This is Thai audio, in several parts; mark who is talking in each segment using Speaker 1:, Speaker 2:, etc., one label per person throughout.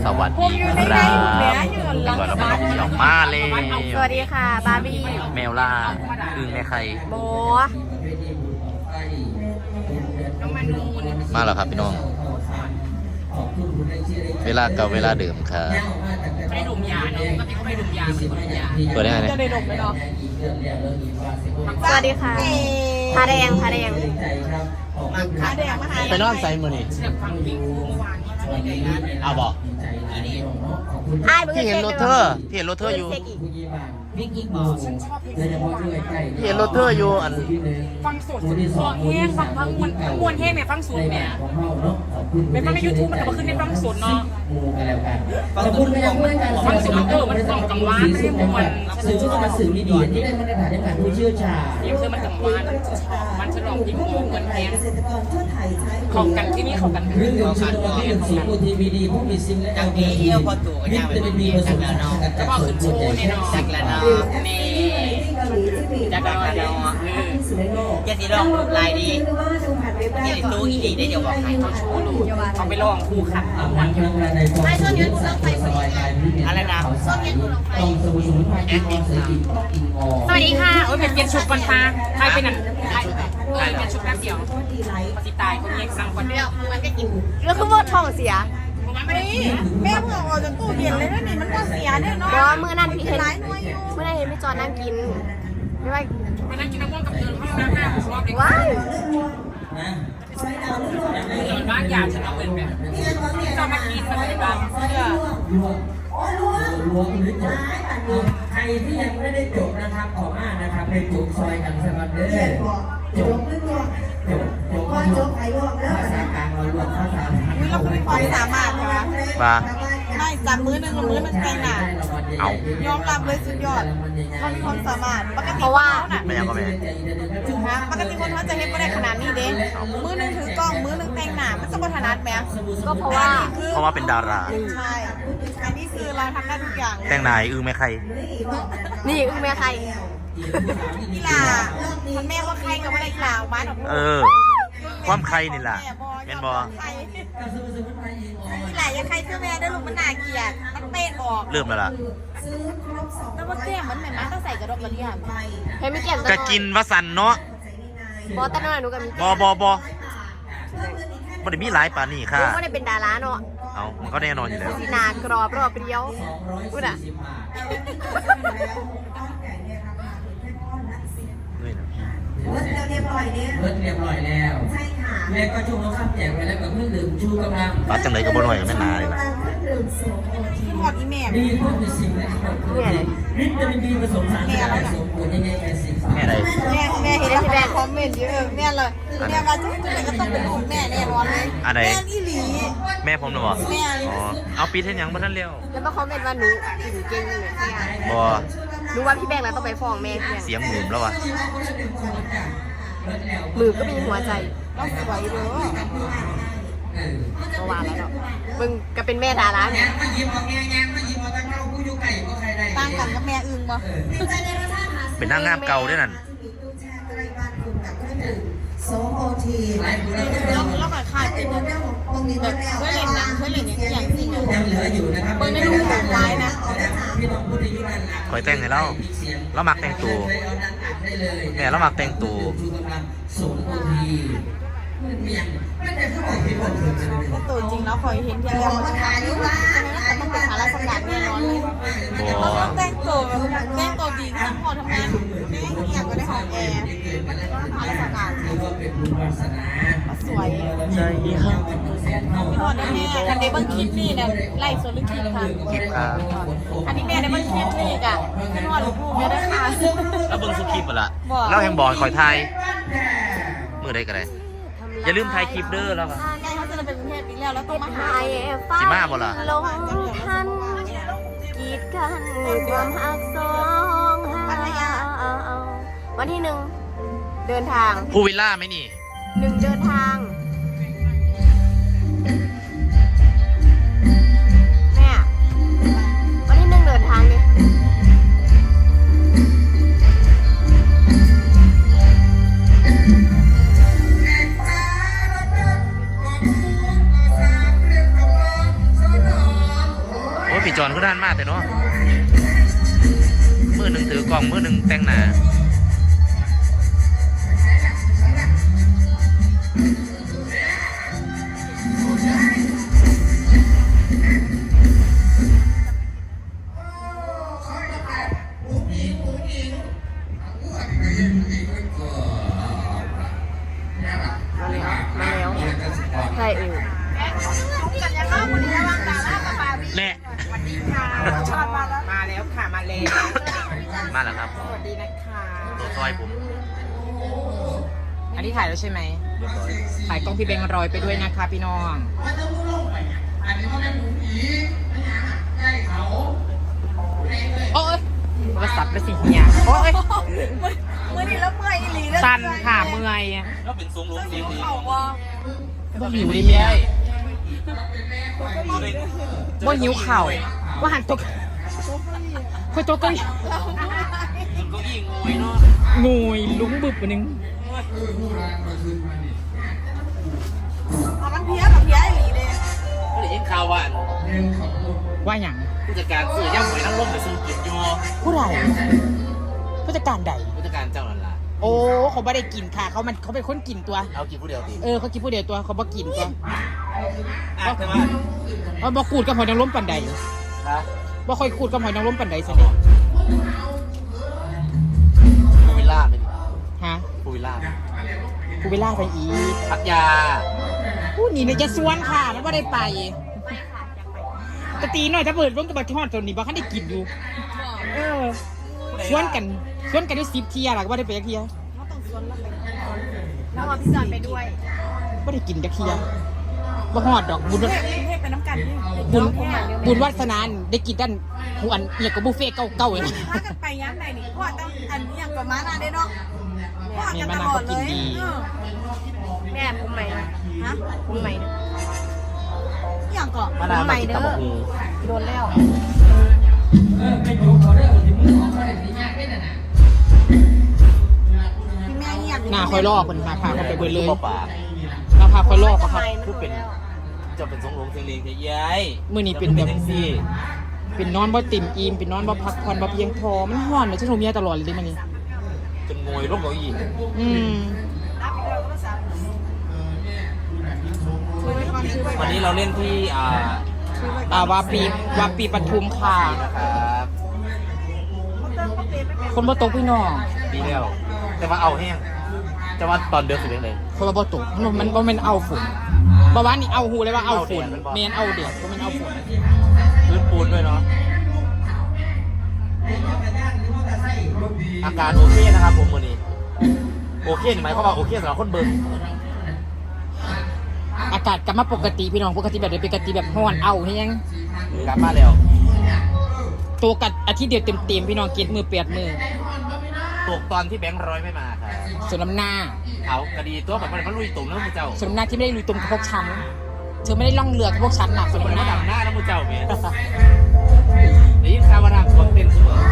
Speaker 1: สวัสดีครับก่อนเราไปเที่ยวมาเลย
Speaker 2: สวัสดีค่ะบาร์บี้
Speaker 1: แมวล่าอึ่งแม่ไข่
Speaker 2: โบ
Speaker 1: มาแล้วครับพี่น้องเวลาเก่าเวลาเดิมครับ
Speaker 3: ไม่ดุมยาเนาะปกติเขาไม่ดุมยาไม่ดุมยา
Speaker 1: เปิดได้ไงเนี่ย
Speaker 3: จะได้ดมไหมเนาะ
Speaker 2: สวัสดีค่ะพาแดงพาแดง
Speaker 3: ขาแดงมาหา
Speaker 1: ไปนอนใส่มือนี่
Speaker 3: เสียบฟังพิงคูเมื่อวานนี้ช่วยได้นะ
Speaker 1: เอาบอก
Speaker 2: ไอ้มึง
Speaker 1: พี่เห็นรถเธอพี่เห็นรถเธออยู่
Speaker 3: พิงอีกบอกฉันชอบพิงคูมาก
Speaker 1: พี่เห็นรถเธออยู่อัน
Speaker 3: ฟังสดฟังแห้งฟังมวนแห้งเนี่ยฟังสดเนี่ยเป็นฟังในยูทูบมันจะมาขึ้นในฟังสดเนาะฟังสดมันฟังกังวานไม่ใช่มัน
Speaker 4: สื่อที่มาสื่อมีดีที่ได้มาตรฐานในการผู้เชี่ยวชาญ
Speaker 3: เดี๋ยวเธอมันกังวานมันฉลองพิงคูเหมือนแห้งของกันที่นี่ของกัน
Speaker 4: เรื่องของการที่เป็นสีโอทีวีดีผู้มีซิมและมีเที่ยวพอตัววิตามินบีผสมกัน
Speaker 3: ก็บอกขึ้นโชว์เนี่ยเนาะจากละเนาะนี่จากละเนาะแกสิลองลายดีแกตู้อีดีได้เดี๋ยวบอกให้เขาโชว์ดูเขาไปลองคู่ขัดวันเดียวไม่ช่วงนี้เราไปสมัยอะไรนะช่วงนี้เราไปแอดมินสวัสดีค่ะโอ้ยเป็นชุดก่อนฟ้าใครเป็นอ่ะเป็นชุดแป๊บเดียวปฏิตายคนนี้สั่งคนเดียวมันก็กิน
Speaker 2: แล้วคือว่าท้องเสีย
Speaker 5: แม่เพิ่งออกจากตู้เย็นเลยนะนี่มันก็เสียเนี่ยเนาะ
Speaker 2: เพราะเมื่อนั้นพี่เห็นเมื่อนั้นเห็นพี่จอนั่งกินไม่ว่า
Speaker 3: ไปนั่งกินน้ำมันกับเธอห้องน้ำหน้าผมชอบเด็ก
Speaker 2: ว้าย
Speaker 3: เดินบ้านยาฉันเอาเงินแบบจะมากินมาเลยบ้างเพื่อ
Speaker 4: รวมหรือจบใครที่ยังไม่ได้จบนะครับขอมากนะครับไปจบซอยกันสมัครเด้อจบภาษากลางเรารวมภาษา
Speaker 5: เราคือมีความสามารถใช่ไหม
Speaker 1: มา
Speaker 5: ไม่จับมือหนึ่งกับมือหนึ่งแต่งหน้า
Speaker 1: เอา
Speaker 5: ยอมรับเลยสุดยอดเรามีความสามารถปกติ
Speaker 2: เพราะว่า
Speaker 1: ไม่ยังก็ไม่
Speaker 5: ปกติคนเขาจะเห็นไม่ได้ขนาดนี้เด้มือหนึ่งถือกล้องมือหนึ่งแต่งหน้ามันจะพัฒนาแม้
Speaker 2: ก็เพราะว่า
Speaker 1: เพราะว่าเป็นดารา
Speaker 5: ใช่อันนี้คือเราทำได้ทุกอย่าง
Speaker 1: แต่งนายอึ่งแม่ไข่
Speaker 2: นี่อึ้งแม่ใคร
Speaker 5: กีฬามันแม่ว่าใครกับอะไรกีฬาออกมาดอก
Speaker 1: ความใครนี่แหละเป็นบอ
Speaker 5: กีฬายังใครเสื้อแม่ได้ลูกมันน่าเกลียดมันเตะออก
Speaker 1: เริ่มแล้วล่ะ
Speaker 5: แล้วว่าแก้มมันเหมือนมันต้องใส่กระดกกระเดี่ยม
Speaker 2: เห็นไม่เกี่ยว
Speaker 1: จะกินวสันเนาะ
Speaker 2: บอสตั้งแต่หนูกับมี
Speaker 1: บบ่ได้มีหลายป่านนี่ค่ะ
Speaker 2: ไม่ได้เป็นดาราเนาะ
Speaker 1: เอามันก็แน่นอนอยู่แล้ว
Speaker 2: สีนากรอบรอบเปรี้ยวพูดอ่ะ
Speaker 1: นี่นะ
Speaker 4: เรียบร้อยแล้วใช่ค่ะแม่ก็ชูเขาข้ามแจกไปแล้วกับเพื่อนดื่มชูกำลัง
Speaker 1: ปัดจังไรก็บ่หน่อยกับแม่นาเลยล่ะ
Speaker 5: คือหอดอีแม่
Speaker 4: ดีพวกมีสิ่งและวิตามินดีผสมสารสกัดผสมปุ๋ยยังไงแค่สิบ
Speaker 1: แม่ใด
Speaker 5: แม่เห็นแล้วแม่คอมเมนต์เยอะแม่เลยแม่มาจุ๊บจุ๊บก็ต้องเป็นลูกแม่แน่นอนเลย
Speaker 1: อันใด
Speaker 5: แม่อีหลี
Speaker 1: แม่ผมนะบ่
Speaker 5: แม่
Speaker 1: อ๋อเอาปีเท่นยังบ่ทันเร็ว
Speaker 2: แล้วมาคอมเมนต์ว่าหนูกินเก่งเลยเนี่ย
Speaker 1: บ่
Speaker 2: หนูว่าพี่แบงค์แล้วต้องไปฟ้องแม่เนี่ย
Speaker 1: เสียงหมื่มแล้ววะ
Speaker 2: มือก็มีหัวใจ
Speaker 5: เราสวยเด้อ
Speaker 2: เมื่อวานแล้วเนาะมึงก็เป็นแม่ดาราเนี่ย
Speaker 4: มาหยิบออกแง่มาหยิบออกตั้งเข้าผู้ยุไก่ก็ใครได้
Speaker 5: ต่างกันกับแม่อึ้งบ่
Speaker 1: เป็นนางงามเก่าด้วยนั่น
Speaker 4: โซโอที
Speaker 5: แล้วก็ขาดเป็นแบบเคยเล่นหนังเคยเล่นอย่างที่อยู่
Speaker 4: ยังเหลืออยู่นะครับ
Speaker 5: เบิ่งในรูปของไม้นะ
Speaker 4: พี่น้องผู้ที่อยู่ด้านหลัง
Speaker 1: คอยแต่งให้เราเรามักแต่งตัวแม่เรามักแต่งตัว
Speaker 4: ชูกำลังโซโอทีไม่ได้เขาบอกพี่บอกเลย
Speaker 5: ก็ตัวจริงแล้วคอยเห็นเพียงแค่ว่าขาอยู่ว่าฉะนั้นก็ต้องเป็นขาราชการแน่นอนเลย
Speaker 1: บ่
Speaker 5: เราต้องแต่งตัวดีทั้งพอทำงานแม่อยากก็ได้ห้องแอร์ขาราชการ
Speaker 4: ถือว่าเป็นบุญวาสนา
Speaker 5: สวย
Speaker 1: ใจครับ
Speaker 5: พี่พอได้แม่คันเดบังคลิปนี่เนี่ยไล่ส่วนลึกคลิปค่ะ
Speaker 1: คลิปครับ
Speaker 5: อันนี้แม่ได้บังคลิปนี่อ่ะพี่พอลูกๆเนี่ยได้ค่ะ
Speaker 1: แล้วเบิ่งสุคลิปบ่ล่ะ
Speaker 5: บ่
Speaker 1: เราแห่งบอลคอยทายมื้อใดก็ได้อย่าลืมถ่ายคลิปเด้อแล้วก็
Speaker 5: ใช่เขาจะเป็นกรุงเทพอีกแล้วแล้วต้องมาหา
Speaker 2: ไอ้ฟ้า
Speaker 1: สิมาบ่ล่ะ
Speaker 2: ลงทันกีดกันความหักสองหาวันที่ 1เดินทาง
Speaker 1: ผู้วิลล่าไหมนี่
Speaker 2: 1เดินทางแม่วันที่ 1เดินทางเนี่ย
Speaker 1: ว่าพี่จอนก็ด้านมากแต่เนาะมือหนึ่งถือกล่องมือหนึ่งแต่งหนา
Speaker 2: ใช่เออ
Speaker 1: แน่
Speaker 3: มาแล้วค่ะมาเลย
Speaker 1: มาแล้วครับ
Speaker 3: สวัสดีนะคะ
Speaker 1: ซอยผม
Speaker 3: อันนี้ถ่ายแล้วใช่ไหมถ่ายกล้องพี่เบงรอยไปด้วยนะคะพี่น้องโอ้ยโทรศัพท์ไปสิเฮียโอ้ย
Speaker 5: เมื่อนี้แล้วเมื่อยอีหลีเลย
Speaker 3: สั่นค่ะเมื่อย
Speaker 1: แล้วเป็นทรงลงเสียงดี
Speaker 5: เขาว่า
Speaker 3: บ่หิวดิเมียบ่หิวเข่าว่าหันตกค่อยตกกัน
Speaker 1: ก็ยิงงวยเนาะ
Speaker 3: งวยลุ้งบึบไปนึง
Speaker 5: มันเพี้ยกับเพี้ยอีหลีเลย
Speaker 1: ก็เลยยิงข่าวว่า
Speaker 3: ว่าอย่าง
Speaker 1: ผู้จัดการสื่อย่างหวยนั่งร่มไปสู้กินอยู่
Speaker 3: ผู้ใดผู้จัดการใด
Speaker 1: ผู้จัดการเจ้านั่นล่ะ
Speaker 3: โอ้เขาไม่ได้กินค่ะเขาเป็นคนกินตัว
Speaker 1: เอากินผู้เดียวตี
Speaker 3: เขากินผู้เดียวตัวเขาบ่กินตัว
Speaker 1: แต่ว่า
Speaker 3: ว่าบ่กูดกับหอยนางรมปันใด
Speaker 1: ฮะ
Speaker 3: บ่ค่อยกูดกับหอยนางรมปันใดสิเนี่ย
Speaker 1: ผู้วิลล่าเป็น
Speaker 3: ฮะ
Speaker 1: ผู้วิลล่า
Speaker 3: กูไปล่าไปอีก
Speaker 1: พัทยา
Speaker 3: ผู้นี่เนี่ยจะสวนค่ะมันบ่ได้ไปตะตีหน่อยถ้าเปิดร่มกับบัตรทอดตัวนี้บ่คันได้กินอยู่สวนกันได้10 เที่ยล่ะก็บ่ได้ไปจักเที่ย
Speaker 2: แล้วเอาพี่จอนไปด้วย
Speaker 3: บ่ได้กินจักเที่ยบ่ฮอดดอกบุญ
Speaker 5: เทพเป็นน้ำกันนี่
Speaker 3: บุญวาสนาได้กินด้านหูอันเนี่ยกับบุฟเฟ่เก่าๆเลย
Speaker 5: ถ้ากันไปย้ำไหนนี่พ่อต้องอันอย่างกับม้านาได้เนาะพ่อกันตลอดเลย
Speaker 2: แม่ผมใหม่นะ
Speaker 5: ฮะ
Speaker 2: ผมใหม่นะ
Speaker 5: อย่างก่อน
Speaker 1: มานาวมากินตำบักหุ่ง
Speaker 2: โดนแล้ว
Speaker 4: ไปดูเขาเด้อที่มือของเขาได้สียากได้น่ะ
Speaker 5: พี่แม่เงียบ
Speaker 3: หน้าคอยลอกคนพาเขาไปเบิดเลย
Speaker 1: บ่ปาก
Speaker 3: เราพาคอยลอกเขาครับ
Speaker 1: คือเป็นจะเป็นทรงลงเสียงเลงเย้ย
Speaker 3: มื้อนี้เป็นแบบ
Speaker 1: แท็กซี่
Speaker 3: เป็นนอนบ่ติ่มอิ่มเป็นนอนบ่พักผ่อนบ่เพียงพอมันฮ้อนเลยฉันโทรเมียตลอดเลยดิมื้อนี้
Speaker 1: จนงวยร่มเก้าอี้
Speaker 3: อืม
Speaker 1: วันนี้เราเล่นที่
Speaker 3: วาปีปทุมค่ะ
Speaker 1: นะครับ
Speaker 3: คนบ่ตกพี่น้อง
Speaker 1: ดีแล้วแต่ว่าเอาแห้งแต่ว่าตอนเดือดสุดเลย
Speaker 3: คนบ่ตกมันบ่แม่นเอาฝุ่นบ่ว่านี่เอาหูเลยว่าเอาฝุ่นแม่นเอาเด็ดบ่แม่นเอาฝุ่น
Speaker 1: พื้นปูนด้วยเนาะอาการโอเคนะครับผมวันนี้โอเคนี่หมายความว่าโอเคสำหรับคนเบิ่ง
Speaker 3: อากาศกลับมาปกติพี่น้องปกติแบบปกติแบบฮ้อนเอาเฮียง
Speaker 1: กลับมาแล้ว
Speaker 3: ตัวกัดอาทิตย์เดียวเต็มๆพี่น้องเก็ดมือเปียดมือ
Speaker 1: ตกตอนที่แบงค์ร้อยไม่มาครับ
Speaker 3: ส่วนน้ำหน้า
Speaker 1: เอาคดีตัวแบบมันลุยตุ่มแล้วมึงเจ้า
Speaker 3: ส่วนน้ำหน้าที่ไม่ได้ลุยตรงกับพวกฉันเธอไม่ได้ล่องเรือกับพวกฉันหนักส่วน
Speaker 1: มัน
Speaker 3: น้ำห
Speaker 1: มา
Speaker 3: น้า
Speaker 1: ดับหน้าแล้วมึงเจ้าเมียได้ยินข่าวว่าทางคนเต้นเสมอ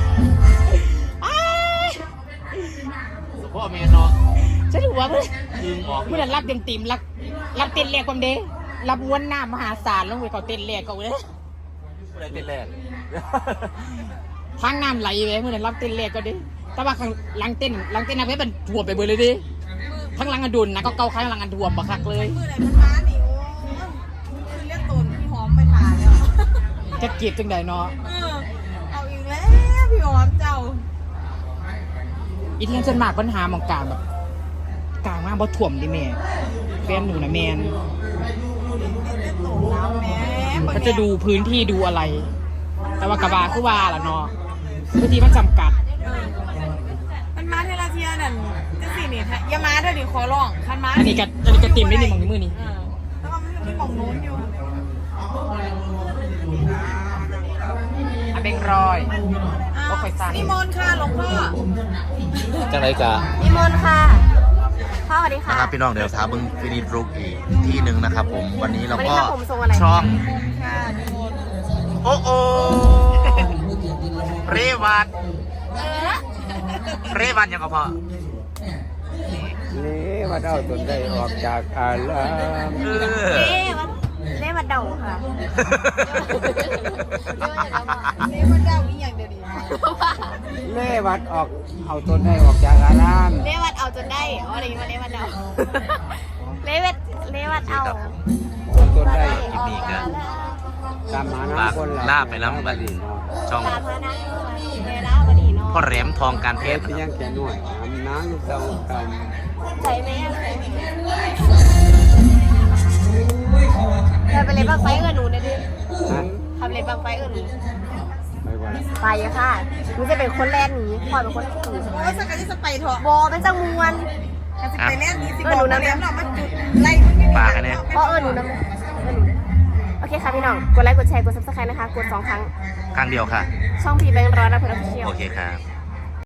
Speaker 1: สุภาพเมียเนาะ
Speaker 3: ฉันถือว่า
Speaker 1: ดึงออก
Speaker 3: เมื่อนั้นรับเต็มๆรับเต้นแรกความเด้รับม้วนหน้ามหาศาลลงไปเขาเต้นแรกเขาเลย
Speaker 1: ผู้ใดเต้นแรก
Speaker 3: ทางน้ำไหลไปเมื่อนั้นรับเต้นแรกก็เด้แต่ว่าข้างหลังเต้นนะเพื่อนถ่วมไปเบอร์เลยดิทั้งหลังอันดุนนะก็เกาข้างหลังอันถ่วมบักคักเลย
Speaker 5: มือไหนมันม้านี่โอ้คือเรียกตูนพี่หอมไปถ่ายแล้ว
Speaker 3: จะเก็บจังใดเนาะ
Speaker 5: เอาอีกแล้วพี่หอมเจ้า
Speaker 3: อีเทียนจนมากปัญหาหมองกลางแบบกลางมากบ่ถ่วมดิแม่แฟนหนูนะแมน
Speaker 5: เรียกตูนแล้วแม่
Speaker 3: เขาจะดูพื้นที่ดูอะไร แต่ว่ากระบาคือว่าล่ะเนาะพื้นที่มันจำกัด
Speaker 5: มันมาเทลาเทียนั่นจะสินี่อย่ามาเด้อดิขอร้องคันมา
Speaker 3: อันนี้ก็เต็มได้ในมองในมือนี่
Speaker 5: แล้วก็มันมีหม่องนู้นอยู่
Speaker 3: อันเบงรอย ก็ค่อยสั่น
Speaker 5: นิมนต์ค่ะหลวงพ่อ
Speaker 1: จังไรกะ
Speaker 2: นิมนต์ค่ะพ่อสวัสดีค่ะ
Speaker 1: นะครับพี่น้องเดี๋ยวท้าบึงฟินิชรุกอีกที่หนึ่งนะครับผมวันนี้เรา
Speaker 2: วันนี้
Speaker 1: ก็
Speaker 2: ครับผมทรงอะไร
Speaker 1: ช่อง
Speaker 5: ค่ะนิมนต์
Speaker 1: โอ้โอเรวัตเรวันยังก็พอ
Speaker 6: นี่มาเอาตนได้ออกจากอาลาม
Speaker 1: เออ
Speaker 2: เล่มาเดาค่ะ
Speaker 6: เล่วัดออกเอาตนได้ออกจากอาราม
Speaker 2: เลวัดเอาจนได้อ๋ออะไรมาเลวัดเอา เลวัดเอา
Speaker 6: เอาตนได้
Speaker 1: คลิปนี้ก็
Speaker 6: ตามหา
Speaker 1: ฝาก
Speaker 6: น้ำคนละ
Speaker 1: ลาไปแล้วบัดนี้ช่อง
Speaker 2: ตามพานักเวลาบดีเนาะ
Speaker 1: พ่อแหลมทองการเพ
Speaker 6: เท
Speaker 1: ช
Speaker 6: พ
Speaker 1: ร
Speaker 6: ที่ยังแก่หน่วยน้ำลูกเต้ากัน
Speaker 2: ใจไหมอะ
Speaker 4: โอ้ยเขาว่าขัด
Speaker 2: เธอไปเล่นบังไฟเอิญหนูเนี่ยดิ
Speaker 6: นะ
Speaker 2: ทำเล่นบังไฟเอิญหนู
Speaker 6: ไม่ว่า
Speaker 2: ไปอะค่ะหนูจะเป็นคนแรกหนีพลอยเป็นคนที่หนี
Speaker 5: โอ้ยสักการที่จะไปเถอะ
Speaker 2: บอเป็นจังมวน
Speaker 5: การจะไปแรกนี้สิบอกเลี้ยงเรามาจุดไล่มัน
Speaker 1: ฝากกันเนี่ย
Speaker 2: เพราะหนูนะโอเคค่ะพี่น้อง กดไลค์ กดแชร์ กด subscribe นะคะ กด2 ครั้ง
Speaker 1: ครั้งเดียวค่ะ
Speaker 2: ช่องพีแบงค์ร้อนนะเพื่อนออฟฟิเชียล
Speaker 1: โอเคครับ